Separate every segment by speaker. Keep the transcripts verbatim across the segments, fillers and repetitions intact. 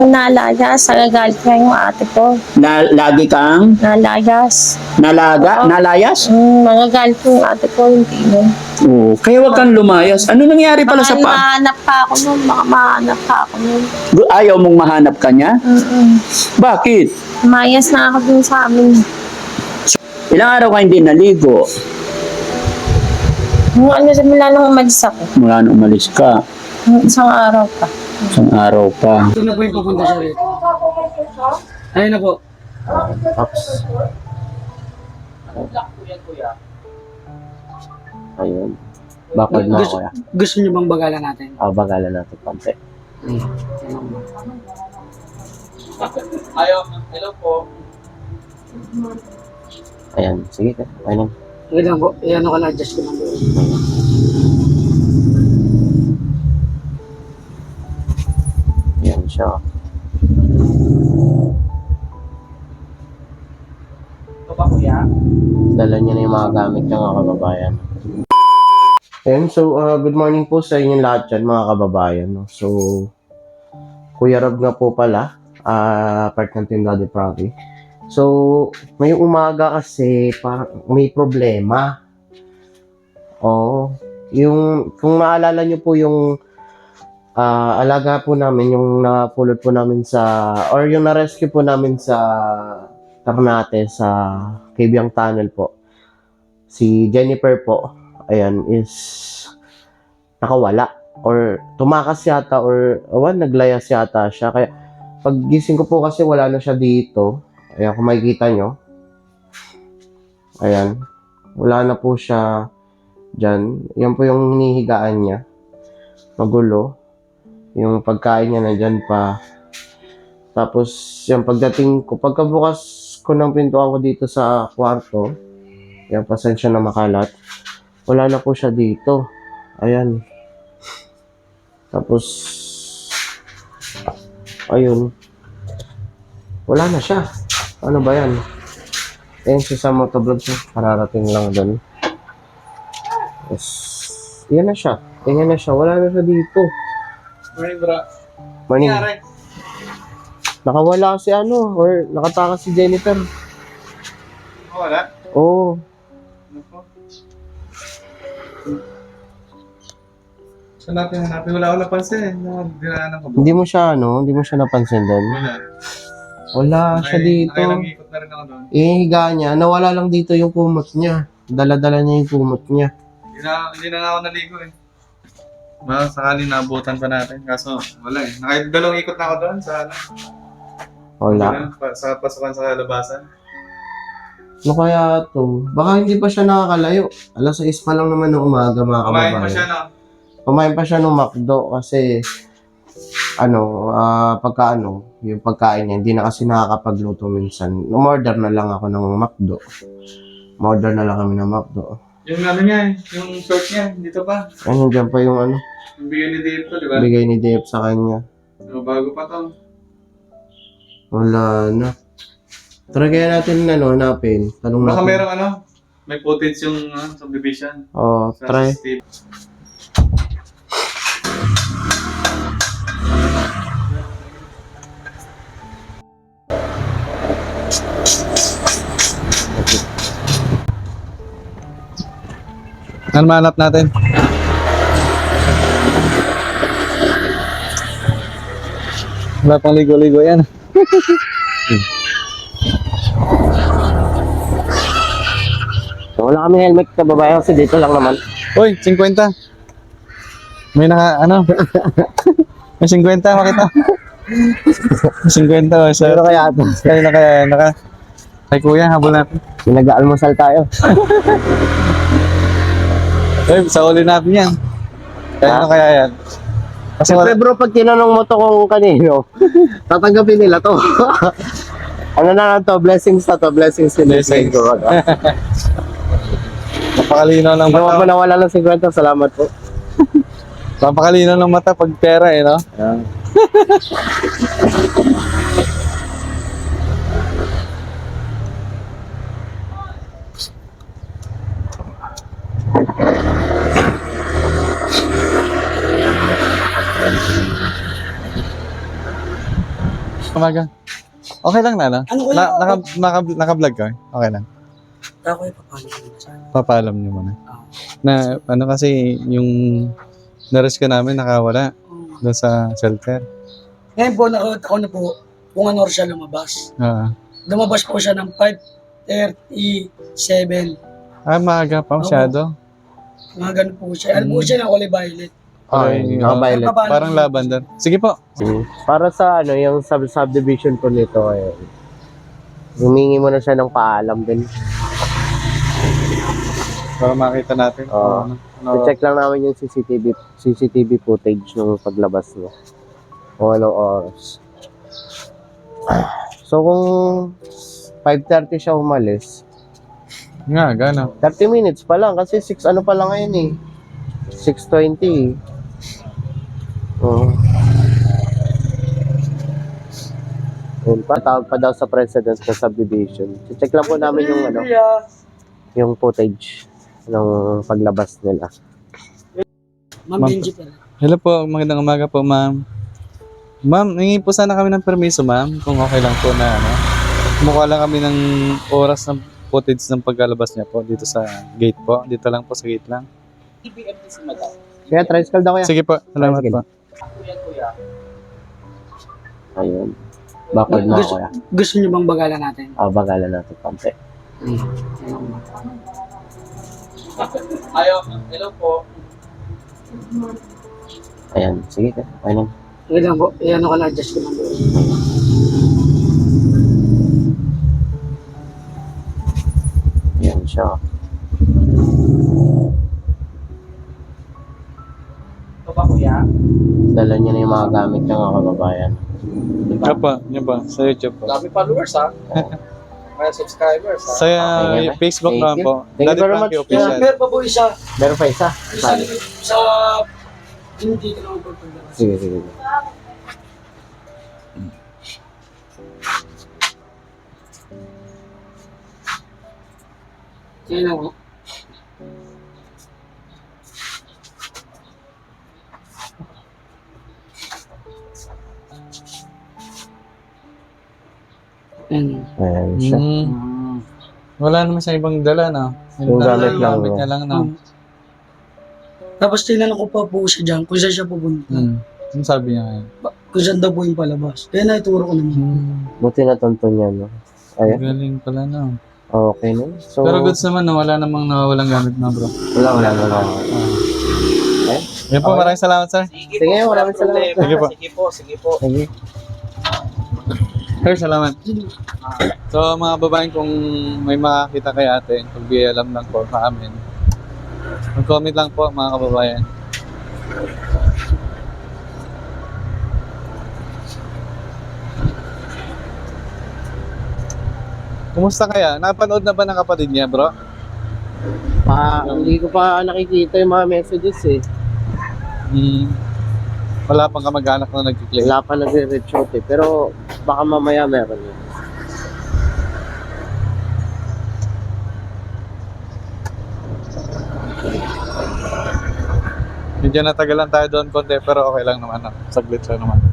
Speaker 1: Nalayas, nagagalit nga yung ate ko.
Speaker 2: Na, lagi kang
Speaker 1: Nalayas.
Speaker 2: nalaga,
Speaker 1: Oo.
Speaker 2: nalayas?
Speaker 1: Mm, nagagalit yung ate ko, hindi mo.
Speaker 2: Oo. Kaya wag kang lumayas. Ano nangyari pala
Speaker 1: Baka
Speaker 2: sa pa?
Speaker 1: mahanap pa ako nun, baka mahanap pa ako nun.
Speaker 2: Ayaw mong mahanap ka niya?
Speaker 1: Mm-mm.
Speaker 2: Bakit?
Speaker 1: Mayas na ako dun sa amin.
Speaker 2: Ilang araw ka hindi naligo?
Speaker 1: Yung ano, simula nung umalis ako.
Speaker 2: Mula nung umalis ka.
Speaker 1: Yung isang araw pa.
Speaker 2: Isang araw pa.
Speaker 3: Ito na po yung papunta siya rito. Ayun na po.
Speaker 2: Ops. Ayun. Backward na
Speaker 3: Gusto,
Speaker 2: ako ya.
Speaker 3: gusto niyo bang bagalan natin?
Speaker 2: Ah, bagalan natin konti.
Speaker 4: Ayaw, hello po.
Speaker 2: Ayan, sige ka. Ayun.
Speaker 3: Wait lang po. Iyan ko na-adjust ko lang doon.
Speaker 2: Ayan siya.
Speaker 4: Ito ba kuya?
Speaker 2: Dala niya na yung mga gamit niya mga kababayan. Ayan, so uh, good morning po sa inyong lahat dyan mga kababayan. No? So, Kuya Rob nga po pala, uh, part ng Team Daddy Pravi. So, may umaga kasi parang may problema. Oo. Yung, kung naalala niyo po yung uh, alaga po namin, yung napulot po namin sa, or yung na-rescue po namin sa Ternate, sa Cabiang Tunnel po. Si Jennifer po, ayan, is nakawala. Or tumakas yata, or awan, naglayas yata siya. Kaya, pag gising ko po kasi wala na siya dito. Ayan, kung makikita nyo. Ayan. Wala na po siya dyan. Yan po yung hinihigaan niya. Magulo. Yung pagkain niya nandyan pa. Tapos, yung pagdating ko, pagkabukas ko ng pintuan ko dito sa kwarto, yan, pasensya na makalat. Wala na po siya dito. Ayan. Tapos, ayun. Wala na siya. Ano ba yan? Ayan siya sa motovlog siya. Kararating lang doon. Yes. Yan na siya. Yan na siya. Wala na siya dito.
Speaker 4: Morning bro.
Speaker 2: Morning.
Speaker 4: Nangyari?
Speaker 2: Nakawala si ano, or nakatakas si Jennifer.
Speaker 4: Oh, wala?
Speaker 2: Oo.
Speaker 4: Ano po? Saan natin hanapin? Wala ko napansin eh. Nakadinaanan ko ba?
Speaker 2: Hindi mo siya, ano, hindi mo siya napansin doon.
Speaker 4: Wala.
Speaker 2: Wala siya dito.
Speaker 4: Nakailang ikot na rin ako doon.
Speaker 2: Ihiga niya, nawala lang dito yung kumot niya. Dala-dala niya yung kumot niya.
Speaker 4: Hindi na, hindi na nga ako naligo eh. Baka sakali naabutan pa natin. Kaso wala eh. Nakadalawang ikot na ako doon sa ano.
Speaker 2: Wala.
Speaker 4: Pa- Sa pasukan sa labasan.
Speaker 2: Ano kaya to? Baka hindi pa siya nakakalayo. Alas sais pa lang naman ng umaga, mga
Speaker 4: Kumain
Speaker 2: kababayan.
Speaker 4: pa siya no?
Speaker 2: Kumain pa siya ng McDo kasi ano, ah, pagka ano, yung pagkain niya, hindi na kasi nakakapagluto minsan. Umorder na lang ako ng McDo. Umorder na lang kami ng McDo.
Speaker 4: Yung ano niya eh. Yung short niya. Dito pa.
Speaker 2: Ayun, dyan pa yung ano,
Speaker 4: Yung bigay ni Dave to, di ba?
Speaker 2: bigay ni Dave sa kanya.
Speaker 4: So, bago pa to.
Speaker 2: Wala na. Try kaya natin ano, hanapin. Tanong
Speaker 4: Baka
Speaker 2: natin.
Speaker 4: merong ano. May footage yung uh, subdivision.
Speaker 2: Oh,
Speaker 4: Sa
Speaker 2: try.
Speaker 4: C C T V. Ano mahanap natin? Wala pang ligo-ligo yan.
Speaker 2: So, wala kami helmet sa babae kasi dito lang naman.
Speaker 4: Uy, fifty. May naka, ano? May fifty, makita. fifty, oh, sa...
Speaker 2: Pero kaya ito,
Speaker 4: Kaya na kaya, naka... Kay kuya, habol natin.
Speaker 2: nag-aalmusal tayo.
Speaker 4: Uy, sa uli natin yan. Kaya na kaya yan. Kasi
Speaker 2: Siyempre
Speaker 4: wala...
Speaker 2: bro, pag tinanong mo to kung kanino, tatanggapin nila to. Ano na lang to, blessings na to, blessings in this
Speaker 4: Blessings.
Speaker 2: ko.
Speaker 4: Napakalinaw ng
Speaker 2: Ginawa
Speaker 4: mata.
Speaker 2: mo nawala ng fifty, salamat po.
Speaker 4: Napakalinaw ng mata pag pera eh, no?
Speaker 5: Umaga. Okay lang na, no?
Speaker 3: Ano kaya?
Speaker 5: Na, naka, naka, naka-vlog ka? Okay lang.
Speaker 3: Ako ay papalit mo sa akin.
Speaker 5: Papaalam niyo muna.
Speaker 3: Ah.
Speaker 5: Na, ano kasi, yung na-risk ka namin nakawala
Speaker 3: Hmm.
Speaker 5: doon sa shelter.
Speaker 3: Ngayon po, nakot ako na po, kung ano siya lumabas.
Speaker 5: Ah,
Speaker 3: Lumabas po siya ng five thirty-seven.
Speaker 5: ah maaga pa masyado.
Speaker 3: Mga ganun po siya. Ano po
Speaker 5: Hmm.
Speaker 3: siya na kulay violet.
Speaker 2: Okay,
Speaker 5: Ay,
Speaker 2: naka-violet.
Speaker 3: Naka-
Speaker 5: Parang lavender. Sige po.
Speaker 2: Mm. Para sa ano, yung sub subdivision po nito, eh, humingi mo na siya ng paalam din.
Speaker 5: Para makita natin.
Speaker 2: Oo.
Speaker 5: Ano, ano,
Speaker 2: I-check lang namin yung C C T V C C T V footage ng paglabas niya. Kung anong oras. So kung five thirty siya umalis,
Speaker 5: nga, gano'n.
Speaker 2: thirty minutes pa lang kasi six ano pa lang ngayon eh. six twenty. Oo. Yun pa, tawag pa daw sa president ng subdivision. I-check lang po namin yung ano, yung footage ng paglabas nila.
Speaker 3: Ma'am
Speaker 5: Ma'am.
Speaker 3: Benji pala.
Speaker 5: Hello po, magandang umaga po, ma'am. Ma'am, hingi po sana kami ng permiso, ma'am, kung okay lang po na, ano, kumukuha lang kami ng oras ng footage ng pagkalabas niya po dito sa gate po. Dito lang po sa gate lang.
Speaker 2: Kaya tricycle daw kaya.
Speaker 5: Sige po, salamat
Speaker 2: Sige.
Speaker 5: po.
Speaker 2: Ayun. Backward na ako
Speaker 3: Gusto,
Speaker 2: kaya.
Speaker 3: gusto niyo bang bagalan natin?
Speaker 2: Ah, bagalan natin konti.
Speaker 3: Ayo, hello po.
Speaker 2: Ayan, sige ka. Ayun.
Speaker 3: Sige lang po, iyan ako na-adjust ko lang doon.
Speaker 2: Ayan siya.
Speaker 3: Ito ba kuya?
Speaker 2: Dala niya na yung mga gamit niya mga kababayan.
Speaker 5: Nga pa, yan pa, sa YouTube po.
Speaker 3: Dami followers ha? Mga subscribers ha?
Speaker 5: Sa uh,
Speaker 2: Okay,
Speaker 5: Facebook
Speaker 2: thank
Speaker 5: naman
Speaker 2: you.
Speaker 5: po.
Speaker 2: Thank you
Speaker 5: Daddy
Speaker 2: very
Speaker 5: Frankie
Speaker 2: much.
Speaker 5: Official.
Speaker 3: Meron pa po isa.
Speaker 2: Meron pa isa?
Speaker 3: Isa
Speaker 2: Saan?
Speaker 3: sa... Hindi ko naman po pagdala.
Speaker 2: Sige, sige.
Speaker 3: Kaya lang po. Ayan.
Speaker 2: Ayan siya.
Speaker 5: Mm. Wala naman sa ibang dala, no?
Speaker 2: Yung gamit lang,
Speaker 5: Gamit
Speaker 2: no?
Speaker 5: niya lang, no?
Speaker 3: Um, Tapos tinanong ko pa po siya dyan kung saan siya pupunta.
Speaker 5: Hmm. Ano sabi niya ngayon?
Speaker 3: Ba- Kung saan daw po yung palabas. Kaya naituro ko naman.
Speaker 5: Hmm.
Speaker 2: Buti na tonto niya, no? Ayan.
Speaker 5: Galing pala, no?
Speaker 2: Okay, no? So,
Speaker 5: Pero goods naman, no? Wala namang nawawalang gamit na, bro.
Speaker 2: wala, wala, wala.
Speaker 5: Ah. Yan po, maraming salamat, sir.
Speaker 2: Sige, maraming salamat.
Speaker 5: Sige po.
Speaker 3: Sige po, sige po.
Speaker 2: Sige.
Speaker 5: Sir, salamat. So, mga babaeng, kung may makakita kay ate, pag di alam lang po sa amin, mag-comment lang po, mga kababayan. Kumusta kaya? Napanood na ba ng kapatid niya, bro?
Speaker 2: Pa, hindi ko pa nakikita yung mga messages eh.
Speaker 5: Hmm. Wala pang kamag-anak na nag-click.
Speaker 2: Wala pa nagre-reach out eh. Pero baka mamaya meron yun.
Speaker 5: Medyo natagalan tayo doon konti, pero okay lang naman. No? Saglit lang naman.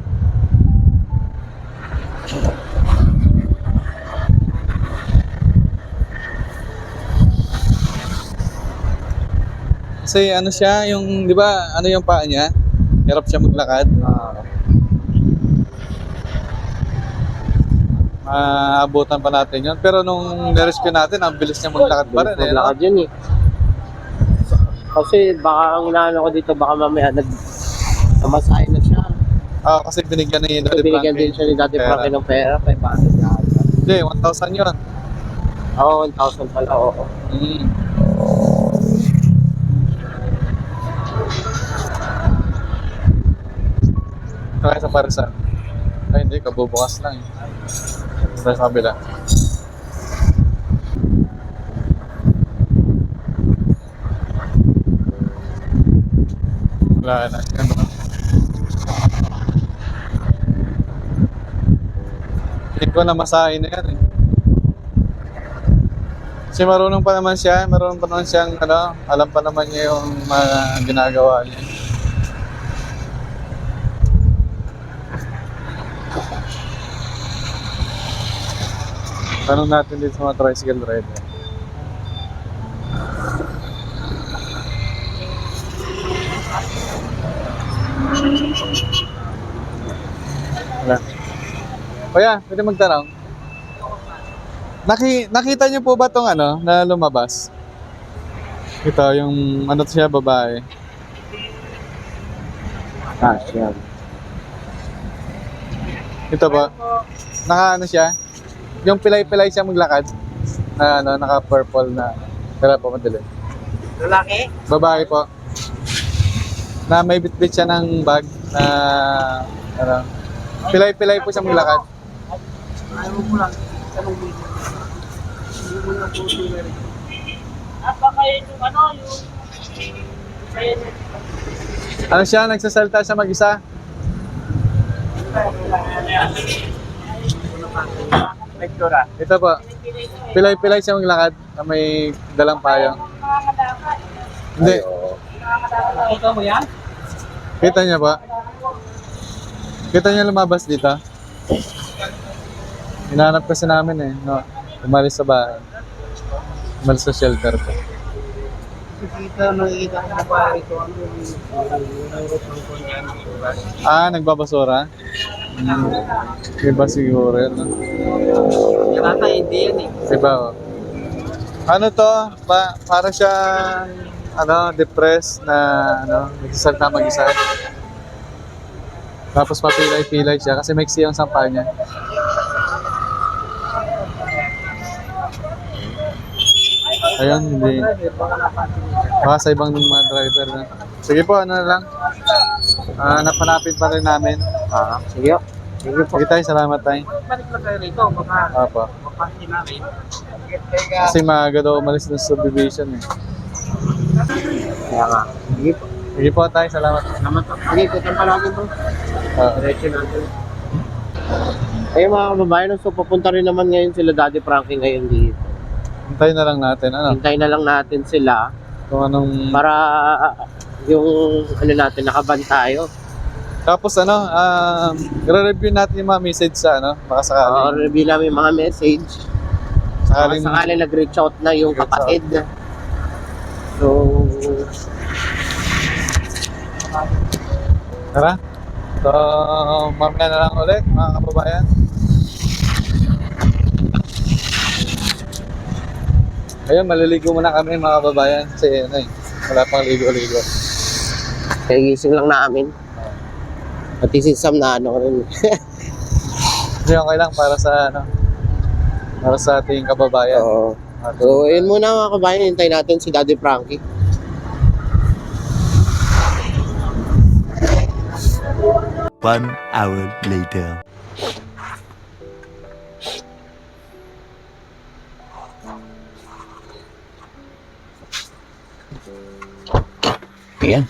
Speaker 5: Kasi ano siya, yung, di ba, ano yung paa niya? Hirap siya maglakad. Maabutan pa natin yun. Pero nung nirescue natin, ang bilis niya maglakad pa rin. Eh, no?
Speaker 2: Maglakad yun eh. Kasi baka ang inaano ko dito, baka mamaya nag namasahin na siya.
Speaker 5: Ah, kasi binigyan ni
Speaker 2: So,
Speaker 5: Daddy
Speaker 2: binigyan
Speaker 5: Frankie
Speaker 2: din siya ni Daddy
Speaker 5: pera.
Speaker 2: Frankie ng pera, five hundred na ata.
Speaker 5: Hindi, one thousand yun.
Speaker 2: Oo, one thousand pala, oo.
Speaker 5: Mm. Kaya sa parisan. Ay, hindi, kabubukas lang eh. Sa kabila. Wala na. Yan, no? Hindi ko na masahin na yan eh. Kasi marunong pa naman siya, marunong pa naman siyang, ano, alam pa naman niya yung mga ginagawa niya. Tanong natin dito sa mga tricycle rider. Wala. Kuya, pwede magtanong? Naki, nakita niyo po ba tong ano, na lumabas? Ito, yung ano to siya, babae.
Speaker 2: Ah, siya.
Speaker 5: Ito ba? Naka ano siya? Yung pilay-pilay siya maglakad. Na ano, naka-purple na. Kaya po, madali.
Speaker 3: Lalaki?
Speaker 5: Babae po. Na may bitbit siya ng bag na ano, pilay-pilay po siya maglakad.
Speaker 3: Ayaw mo lang. Tanong mo. Hindi mo na po sila rin.
Speaker 1: Baka yung ano, yung...
Speaker 5: Ano siya? Nagsasalita siya mag-isa?
Speaker 3: Lektura.
Speaker 5: Ito po. Pilay-pilay siya maglakad na may dalang payong. Hindi.
Speaker 3: Ito mo yan?
Speaker 5: Kita niya ba? Kita niya lumabas dito? Hinahanap kasi namin eh. No? Umalis sa bahay. Umalis sa shelter ko.
Speaker 3: Nakikita, nakikita ko na ba ito ano yung
Speaker 5: Ah, nagbabasura? Hmm. Iba siguro yun. No?
Speaker 3: Yata hindi yan eh.
Speaker 5: Iba oh. Ano to? Pa para siya ano, depressed na ano, nagsasalita mag-isa. Tapos papilay-pilay siya kasi maiksi ang sampa niya. Ayun, hindi. Baka sa ibang mga driver na. Sige po, ano na lang. Ah, napanapin pa rin namin.
Speaker 2: Ah, sige. Sige po.
Speaker 5: Sige tayo, salamat tayo.
Speaker 3: Balik lang kayo rito, baka
Speaker 5: Opo.
Speaker 3: mapasin namin.
Speaker 5: Kasi maaga daw umalis ng subdivision eh.
Speaker 2: Kaya nga. Sige po.
Speaker 5: Sige po tayo, salamat.
Speaker 3: Naman to.
Speaker 2: Sige, tutang palagi po.
Speaker 5: Ah,
Speaker 3: Diretso natin.
Speaker 2: Ayun mga kababayan, so papunta rin naman ngayon sila Daddy Frankie ngayon dito.
Speaker 5: hintayin na lang natin. Ano?
Speaker 2: Hintay na lang natin sila
Speaker 5: Kung anong...
Speaker 2: para yung ano natin, nakaban tayo.
Speaker 5: Tapos ano, um, i-review natin yung mga message sa ano, baka sakali.
Speaker 2: Uh, review namin yung mga message.
Speaker 5: Sakaling,
Speaker 2: Baka sakali nag-reach out na yung
Speaker 5: Reach
Speaker 2: kapatid. So,
Speaker 5: tara. So, mamaya na lang ulit, mga kababayan. Ayun, maliligo muna kami mga kababayan kasi ano eh, wala pang ligo-ligo.
Speaker 2: kagising lang namin. Pati si Sam na ano rin.
Speaker 5: Hindi okay lang para sa ano, para sa ating kababayan.
Speaker 2: Oo. So, yun muna mga kabayan, hintay natin si Daddy Frankie.
Speaker 6: One hour later.
Speaker 7: Ayan.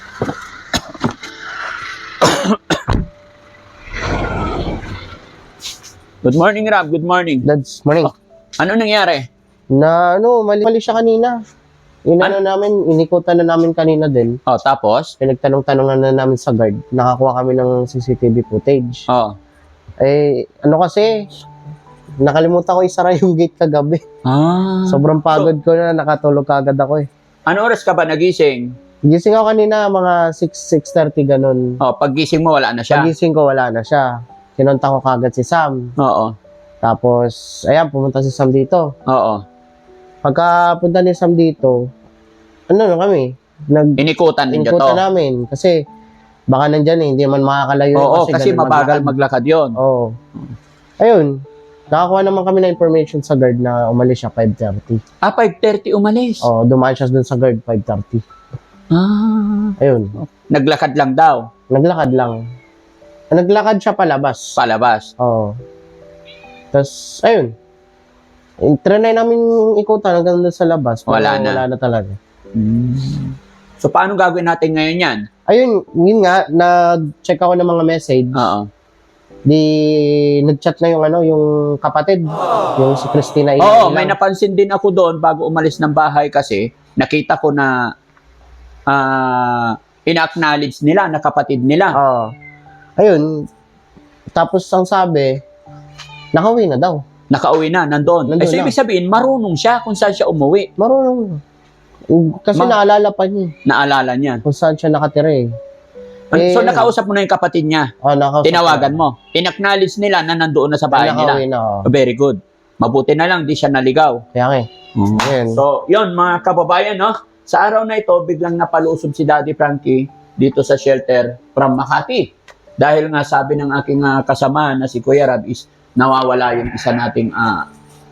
Speaker 7: Good morning, Rob. Good morning.
Speaker 2: Dads, morning.
Speaker 7: Ano nangyari?
Speaker 2: Na ano, mali, mali siya kanina. Inano namin, inikutan na namin kanina din.
Speaker 7: Oh, tapos?
Speaker 2: Pinagtanong-tanongan na namin sa guard. Nakakuha kami ng C C T V footage.
Speaker 7: Oh.
Speaker 2: Eh, ano kasi, nakalimutan ko isara yung gate kagabi.
Speaker 7: Ah.
Speaker 2: Sobrang pagod ko na, nakatulog kagad ako eh.
Speaker 7: Ano oras ka ba nagising?
Speaker 2: Gising ako kanina, mga six, six thirty ganun.
Speaker 7: Oh, paggising mo wala na siya.
Speaker 2: Pagising ko, wala na siya. Kinontak ko kagad si Sam.
Speaker 7: Oo.
Speaker 2: Tapos, ayan, pumunta si Sam dito.
Speaker 7: Oo.
Speaker 2: Pagka punta ni Sam dito, ano na kami? Nag
Speaker 7: Inikutan ninyo to.
Speaker 2: inikutan namin. Kasi, baka nandyan eh, hindi man makakalayo.
Speaker 7: Oo, kasi,
Speaker 2: ganun
Speaker 7: mabagal
Speaker 2: maglakad.
Speaker 7: maglakad yon.
Speaker 2: Oo. Ayun, nakakuha naman kami ng information sa guard na umalis siya five thirty.
Speaker 7: Ah, five thirty umalis.
Speaker 2: Oo, dumaan siya dun sa guard five thirty.
Speaker 7: Ah.
Speaker 2: Ayun,
Speaker 7: Naglakad lang daw.
Speaker 2: naglakad lang. Naglakad siya palabas.
Speaker 7: Palabas.
Speaker 2: Oo. Tapos, ayun. Trinay namin ikutan hanggang doon sa labas. pero
Speaker 7: Wala na.
Speaker 2: Wala na talaga.
Speaker 7: Hmm. So, paano gagawin natin ngayon yan?
Speaker 2: Ayun, yun nga, nag-check ako ng mga message.
Speaker 7: Oo.
Speaker 2: Di, nag-chat na yung ano, yung kapatid. Yung si Christina.
Speaker 7: Oo,
Speaker 2: Ilang.
Speaker 7: may napansin din ako doon bago umalis ng bahay kasi nakita ko na ah ina-acknowledge nila na kapatid nila.
Speaker 2: Oo. Ayun. Tapos ang sabi, nakauwi na daw.
Speaker 7: Nakauwi na, nandun.
Speaker 2: Nandun
Speaker 7: Eh, so,
Speaker 2: na.
Speaker 7: ibig sabihin, marunong siya kung saan siya umuwi.
Speaker 2: Marunong. Kasi
Speaker 7: Ma-
Speaker 2: naalala pa niya
Speaker 7: Naalala niya.
Speaker 2: kung saan siya nakatira eh. Eh,
Speaker 7: So, nakausap mo na yung kapatid niya.
Speaker 2: Oh, nakausap
Speaker 7: Tinawagan
Speaker 2: ko.
Speaker 7: mo. In-acknowledge nila na nandoon na sa bahay nila.
Speaker 2: Nakauwi na ako.
Speaker 7: Oh, very good. Mabuti na lang, di siya naligaw.
Speaker 2: Kaya nga eh. Ayun.
Speaker 7: So, yun mga kababayan, no? Sa araw na ito, biglang napalusob si Daddy Frankie dito sa shelter from Makati. Dahil nga sabi ng aking uh, kasama na si Kuya Rab is nawawala yung isa nating ah,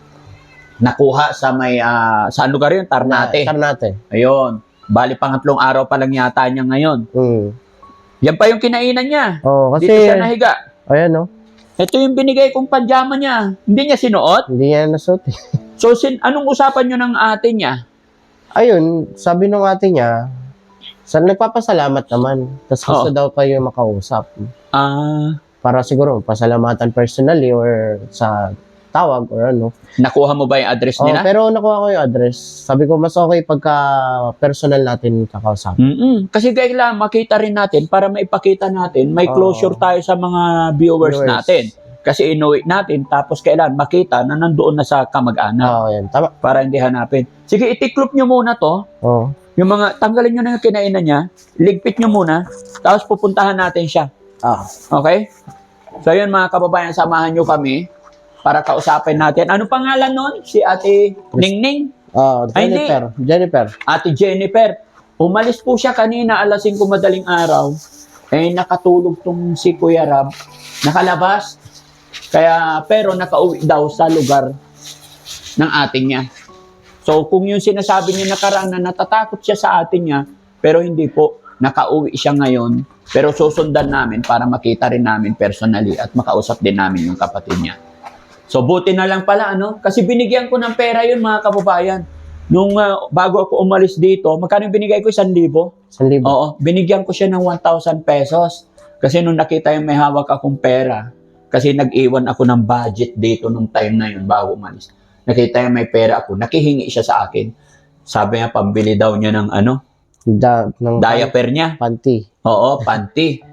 Speaker 7: nakuha sa may, ah, saan lugar yun? Tarnate.
Speaker 2: Tarnate.
Speaker 7: Ayun. Bali, pangatlong araw pa lang yata niya ngayon.
Speaker 2: Mm.
Speaker 7: Yan pa yung kinainan niya.
Speaker 2: Oh, kasi,
Speaker 7: Dito siya nahiga.
Speaker 2: ayan no.
Speaker 7: Ito yung binigay kong panjama niya. Hindi niya sinuot.
Speaker 2: Hindi niya nasuot eh.
Speaker 7: So, sin anong usapan niyo ng ate niya?
Speaker 2: Ayun, sabi nung ate niya, sa nagpapasalamat naman. Tapos gusto
Speaker 7: Oh.
Speaker 2: daw kayo makausap.
Speaker 7: Ah,
Speaker 2: Para siguro, pasalamatan personally or sa tawag or ano.
Speaker 7: nakuha mo ba yung address
Speaker 2: Oh,
Speaker 7: nila?
Speaker 2: pero nakuha ko yung address. Sabi ko, mas okay pagka personal natin kakausap.
Speaker 7: Mm-mm. Kasi kailangan makita rin natin para maipakita natin, may
Speaker 2: Oo.
Speaker 7: closure tayo sa mga viewers,
Speaker 2: Viewers.
Speaker 7: natin. Kasi inuwi natin, tapos kailangan makita na nandoon na sa kamag-anak
Speaker 2: Oo, yan. Tama.
Speaker 7: para hindi hanapin. Sige, itiklop nyo muna to.
Speaker 2: Oo.
Speaker 7: Yung mga, tanggalin nyo na yung kinainan niya, ligpit nyo muna, tapos pupuntahan natin siya.
Speaker 2: Ah.
Speaker 7: Okay? So yun mga kababayan, samahan nyo kami para kausapin natin. Ano pangalan nun? Si Ate Ningning?
Speaker 2: Oh,
Speaker 7: Ay, hindi.
Speaker 2: Jennifer. Jennifer.
Speaker 7: Ate Jennifer. Umalis po siya kanina alas singko madaling araw. Eh, nakatulog tong si Kuya Rab. Nakalabas. Kaya, pero nakauwi daw sa lugar ng ating niya. So, kung yung sinasabi niya nakaraan na natatakot siya sa atin niya, pero hindi po, nakauwi siya ngayon. Pero susundan namin para makita rin namin personally at makausap din namin yung kapatid niya. So, buti na lang pala, ano? Kasi binigyan ko ng pera yun, mga kababayan. Nung ah, bago ako umalis dito, magkano yung binigay ko? Isang libo?
Speaker 2: San libo.
Speaker 7: Oo, binigyan ko siya ng one thousand pesos. Kasi nung nakita yung may hawak akong pera, kasi nag-iwan ako ng budget dito nung time na yun bago umalis. Nakita yung may pera ako, nakihingi siya sa akin. Sabi niya, pambili daw niya ng ano,
Speaker 2: Da, ng
Speaker 7: diaper niya.
Speaker 2: panty.
Speaker 7: Oo, panty.